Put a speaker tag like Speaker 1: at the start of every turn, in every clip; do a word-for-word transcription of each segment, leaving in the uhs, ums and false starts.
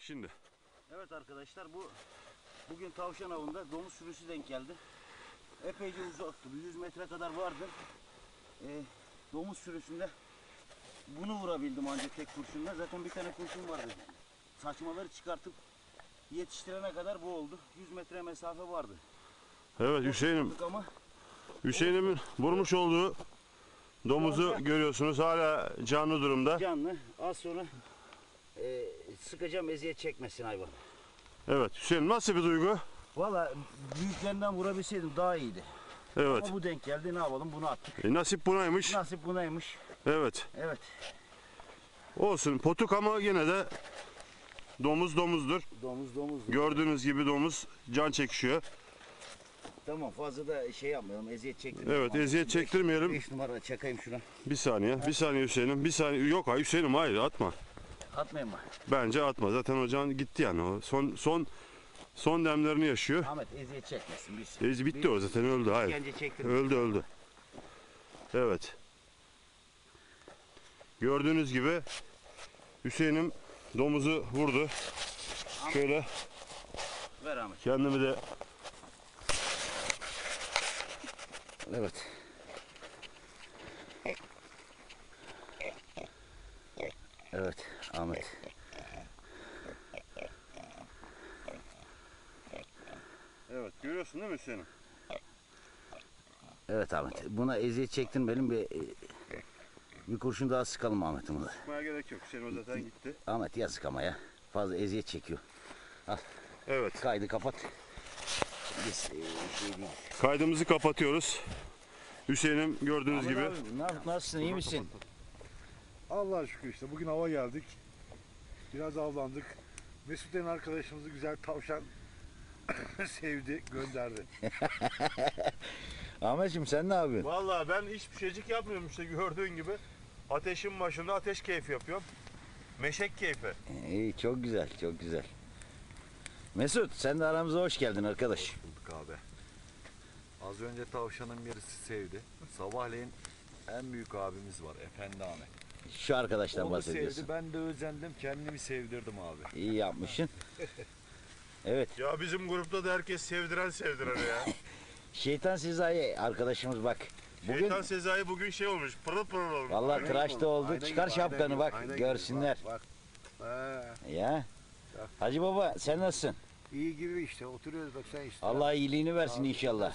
Speaker 1: şimdi.
Speaker 2: Evet arkadaşlar, bu bugün tavşan avında domuz sürüsü denk geldi. Epeyce uzaktı. yüz metre kadar vardı. Ee, domuz sürüsünde bunu vurabildim ancak tek kurşunla. Zaten bir tane kurşun vardı. Saçmaları çıkartıp yetiştirene kadar bu oldu. yüz metre mesafe vardı.
Speaker 1: Evet, Hüseyin'im
Speaker 2: ama
Speaker 1: Hüseyin'imin vurmuş olduğu domuzu görüyorsunuz, hala canlı durumda.
Speaker 2: Canlı. Az sonra e, sıkacağım, eziyet çekmesin hayvan.
Speaker 1: Evet Hüseyin, nasıl bir duygu?
Speaker 2: Valla büyüklerinden vurabilseydim daha iyiydi.
Speaker 1: Evet.
Speaker 2: Ama bu denk geldi, ne yapalım, bunu attık.
Speaker 1: E, nasip bunaymış.
Speaker 2: Nasip bunaymış.
Speaker 1: Evet.
Speaker 2: Evet.
Speaker 1: Olsun, potuk ama yine de domuz domuzdur.
Speaker 2: Domuz domuz.
Speaker 1: Gördüğünüz gibi domuz can çekişiyor.
Speaker 2: Tamam, fazla da şey yapmayalım, eziyet çektirmeyelim.
Speaker 1: Evet, eziyet çektirmeyelim.
Speaker 2: beş numara çakayım şuna.
Speaker 1: Bir saniye, bir saniye Hüseyin'im. Bir saniye. Yok hayır Hüseyin'im, hayır atma.
Speaker 2: Atmayayım mı?
Speaker 1: Bence atma. Zaten o can gitti yani. O son son son demlerini yaşıyor.
Speaker 2: Ahmet eziyet çekmesin biz.
Speaker 1: Ez bitti o zaten, öldü. Hayır.
Speaker 2: İşkence çektirmeyelim.
Speaker 1: Öldü öldü. Evet. Gördüğünüz gibi Hüseyin'im domuzu vurdu. Şöyle
Speaker 2: Ver Ahmet.
Speaker 1: kendimi de
Speaker 2: Evet. Evet Ahmet.
Speaker 1: Evet, görüyorsun değil mi Hüseyin'im?
Speaker 2: Evet Ahmet. Buna eziyet çektirmeyelim, bir bir kurşun daha sıkalım Ahmet'im buna.
Speaker 1: Sıkmaya gerek yok. Hüseyin o zaten gitti.
Speaker 2: Ahmet yazık ama ya. Fazla eziyet çekiyor. Al.
Speaker 1: Evet.
Speaker 2: Kaydı kapat. Biz e, şey değil.
Speaker 1: Kaydımızı kapatıyoruz. Hüseyin'im gördüğünüz
Speaker 2: Ahmet
Speaker 1: gibi.
Speaker 2: abi, ne- nasılsın, iyi misin?
Speaker 3: Allah'a şükür işte bugün hava geldik. Biraz avlandık. Mesut denen arkadaşımızı güzel tavşan sevdi, gönderdi.
Speaker 2: Ahmetciğim sen ne yapıyorsun?
Speaker 1: Vallahi ben hiçbir şeycik yapmıyorum işte, gördüğün gibi. Ateşin başında ateş keyfi yapıyorum. Meşek keyfi.
Speaker 2: İyi, çok güzel, çok güzel. Mesut, sen de aramıza hoş geldin arkadaş.
Speaker 4: Bulduk abi. Az önce tavşanın birisi sevdi. Sabahleyin en büyük abimiz var, Efendi Ahmet.
Speaker 2: Şu arkadaştan
Speaker 4: Onu
Speaker 2: bahsediyorsun.
Speaker 4: sevdi, ben de özendim, kendimi sevdirdim abi.
Speaker 2: İyi yapmışsın. Evet.
Speaker 1: Ya bizim grupta da herkes sevdiren sevdiren ya.
Speaker 2: Şeytan Sezai arkadaşımız bak. Bugün
Speaker 1: Şeytan Sezai bugün şey olmuş, pırıl pırıl olmuş.
Speaker 2: vallahi tıraşta oldu.
Speaker 3: Aynen
Speaker 2: Çıkar
Speaker 3: gibi,
Speaker 2: şapkanı
Speaker 3: aynen
Speaker 2: bak,
Speaker 3: gibi, aynen gibi.
Speaker 2: görsünler.
Speaker 3: Bak, bak. He,
Speaker 2: Ya. Hacı baba sen nasılsın?
Speaker 3: iyi gibi işte oturuyoruz bak sen işte.
Speaker 2: Allah iyiliğini versin inşallah.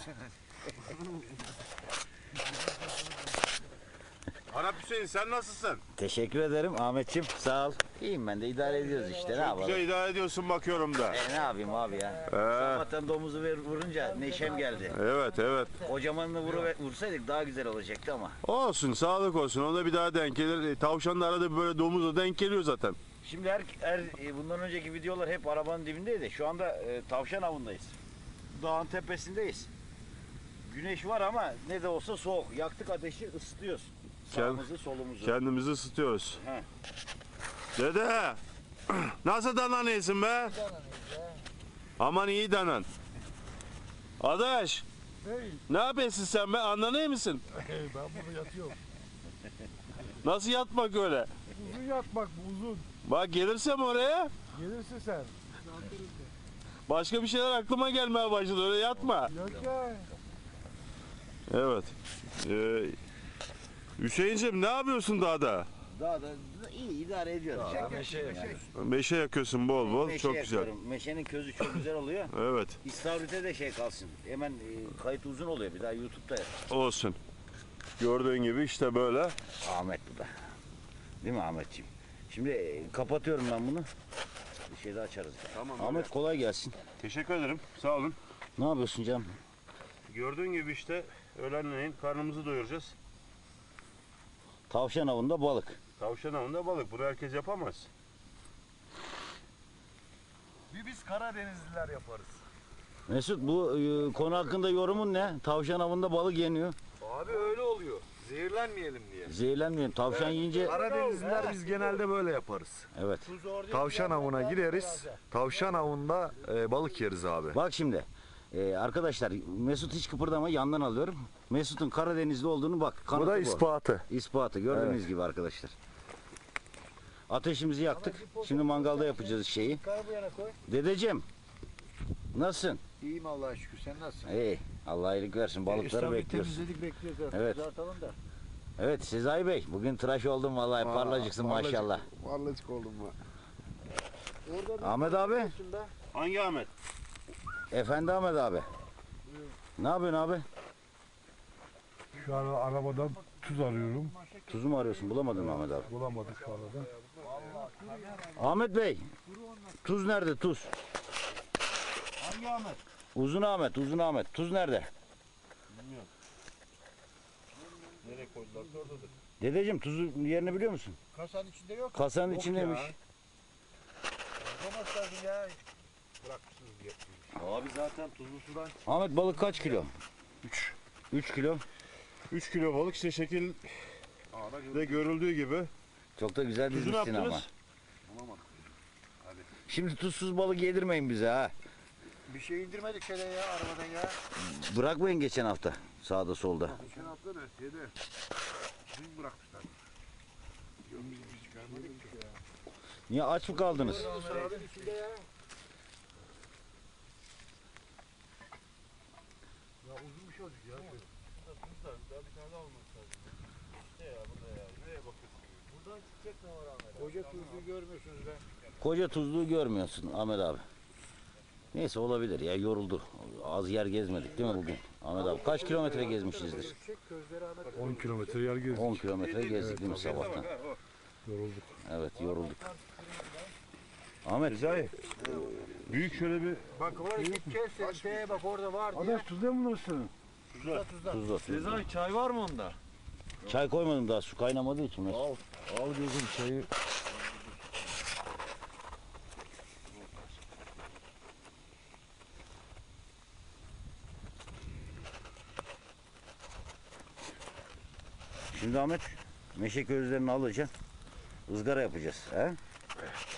Speaker 1: Arap Hüseyin, sen nasılsın?
Speaker 2: Teşekkür ederim Ahmetciğim. Sağ ol. İyiyim, ben de idare ediyoruz işte. Ne yapalım?
Speaker 1: Güzel idare ediyorsun bakıyorum da.
Speaker 2: E, ne yapayım abi ya? Sabahtan domuzu ver, vurunca neşem geldi.
Speaker 1: Evet evet.
Speaker 2: Kocamanını vuru, vursaydık daha güzel olacaktı ama.
Speaker 1: Olsun, sağlık olsun. O da bir daha denk gelir. E, Tavşan da arada böyle domuzla denk geliyor zaten.
Speaker 2: Şimdi her, her e, bundan önceki videolar hep arabanın dibindeydi. Şu anda e, tavşan avındayız. Dağın tepesindeyiz. Güneş var ama ne de olsa soğuk. Yaktık ateşi, ısıtıyoruz. Sağımızı, solumuzu.
Speaker 1: Kendimizi ısıtıyoruz.
Speaker 2: He.
Speaker 1: Dede, nasıl danan iyisin be? Aman iyi danan. Adaş, ne yapıyorsun sen be? Anlanıyor musun?
Speaker 3: ben bunu yatıyorum.
Speaker 1: Nasıl yatmak öyle?
Speaker 3: Uzun yatmak bu uzun.
Speaker 1: Bak gelirsem oraya,
Speaker 3: Gelirsin sen.
Speaker 1: başka bir şeyler aklıma gelmeye başladı. Öyle yatma.
Speaker 3: Yok ya.
Speaker 1: Evet. Ee, Hüseyin'cim ne yapıyorsun dağda?
Speaker 2: Daha da iyi idare ediyoruz. ya.
Speaker 4: Meşe yakıyoruz.
Speaker 1: Meşe yakıyorsun bol bol.
Speaker 2: Meşe
Speaker 1: Çok güzel.
Speaker 2: yakıyorum. Meşenin közü çok güzel oluyor.
Speaker 1: Evet.
Speaker 2: İstavrit'e de şey kalsın. Hemen e, kayıt uzun oluyor. Bir daha YouTube'da yap.
Speaker 1: Olsun. Gördüğün gibi işte böyle.
Speaker 2: Ahmet bu da. Değil mi Ahmetciğim? Şimdi e, kapatıyorum ben bunu. Bir şey daha açarız.
Speaker 1: Tamam.
Speaker 2: Ahmet kolay gelsin.
Speaker 1: Teşekkür ederim. Sağ olun.
Speaker 2: Ne yapıyorsun canım?
Speaker 1: Gördüğün gibi işte öğlenleyin karnımızı doyuracağız.
Speaker 2: Tavşan avında balık.
Speaker 1: Tavşan avında balık. Bunu herkes yapamaz.
Speaker 4: Bir biz Karadenizliler yaparız.
Speaker 2: Mesut, bu e, konu hakkında yorumun ne? Tavşan avında balık yeniyor.
Speaker 4: Abi öyle oluyor. Zehirlenmeyelim diye.
Speaker 2: Zehirlenmeyelim. Tavşan yiyince...
Speaker 4: Karadenizliler biz genelde böyle yaparız.
Speaker 2: Evet.
Speaker 4: Tavşan avına gireriz. Tavşan avında e, balık yeriz abi.
Speaker 2: Bak şimdi. e, arkadaşlar Mesut hiç kıpırdama, yandan alıyorum. Mesut'un Karadenizli olduğunu bak.
Speaker 4: Bu
Speaker 2: kanıtı
Speaker 4: da ispatı.
Speaker 2: İspatı gördüğünüz gibi arkadaşlar. Ateşimizi yaktık. Şimdi mangalda yapacağız şeyi.
Speaker 3: Yukarı bu yana koy.
Speaker 2: Dedeciğim. Nasılsın?
Speaker 3: İyiyim Allah'a şükür. Sen nasılsın?
Speaker 2: İyi. Allah iyilik versin. Balıkları
Speaker 3: İstanbul'u
Speaker 2: bekliyoruz.
Speaker 3: temizledik bekliyoruz artık.
Speaker 2: Evet.
Speaker 3: Kızartalım da.
Speaker 2: Evet Sezai Bey. Bugün tıraş oldun vallahi. Parlacıksın maşallah.
Speaker 3: Parlacık oldum mu? Orada bir
Speaker 2: Ahmet abi.
Speaker 3: başında
Speaker 1: Hangi Ahmet?
Speaker 2: Efendi Ahmet abi. Ne yapıyorsun abi?
Speaker 3: Şu an arabadan tuz arıyorum.
Speaker 2: Tuzu mu arıyorsun? Bulamadın mı Ahmet abi?
Speaker 3: Bulamadık şu arada.
Speaker 2: Ahmet Bey. Tuz nerede tuz?
Speaker 1: Hangi Ahmet?
Speaker 2: Uzun Ahmet, Uzun Ahmet. Tuz nerede?
Speaker 1: Nereye koydularsa oradadır.
Speaker 2: Dedeciğim tuzun yerini biliyor musun?
Speaker 3: Kasanın içinde yok.
Speaker 2: Kasanın
Speaker 3: Yok
Speaker 2: içindeymiş.
Speaker 3: ya. Olmaz lazım ya. Bırakmışsınız diye.
Speaker 4: Abi zaten tuzlu sudan
Speaker 2: Ahmet balık kaç kilo?
Speaker 1: üç.
Speaker 2: üç kilo.
Speaker 1: üç kilo balık işte şekilde görüldüğü gibi.
Speaker 2: Çok da güzel
Speaker 1: Tuzu ne
Speaker 2: dizmişsin ama.
Speaker 1: yaptınız?
Speaker 2: Şimdi tuzsuz balık yedirmeyin bize ha.
Speaker 3: Bir şey indirmedik şöyle ya arabadan ya.
Speaker 2: Bırakmayın geçen hafta sağda solda.
Speaker 3: Geçen hafta ne? Şeyde. Dün bırakmışlar. Yok biz biz çıkarmadık ki ya.
Speaker 2: Niye aç mı kaldınız?
Speaker 3: Sarabın içinde ya. Ya uzun bir şey olacak ya.
Speaker 1: Daha bir tane daha olması lazım. İşte ya burada ya. Nereye bakıyorsun?
Speaker 3: Buradan çıkacak ne var Ahmet? Koca tuzluğu görmüyorsunuz be.
Speaker 2: Koca tuzluğu görmüyorsun Ahmet abi. Neyse olabilir ya yoruldu. Az yer gezmedik değil mi bugün? Ahmet abi kaç kilometre gezmişizdir?
Speaker 3: on kilometre yer gezdik.
Speaker 2: on kilometre gezdik değil mi sabahtan?
Speaker 3: Yorulduk.
Speaker 2: Evet yorulduk. Ahmet.
Speaker 1: Sezai. Büyük şöyle bir
Speaker 3: Bak oraya gideceğiz. Şeye bak orada var diye. Adaş tuzda mı bunlar senin? Tuzda tuzda.
Speaker 2: Tuzla tuzla.
Speaker 4: Sezai çay var mı onda?
Speaker 2: Çay koymadım daha su kaynamadığı için. Mesut.
Speaker 3: Al. Al gözüm çayı.
Speaker 2: Şimdi Ahmet meşe közlerini alacaksın. Izgara yapacağız. He?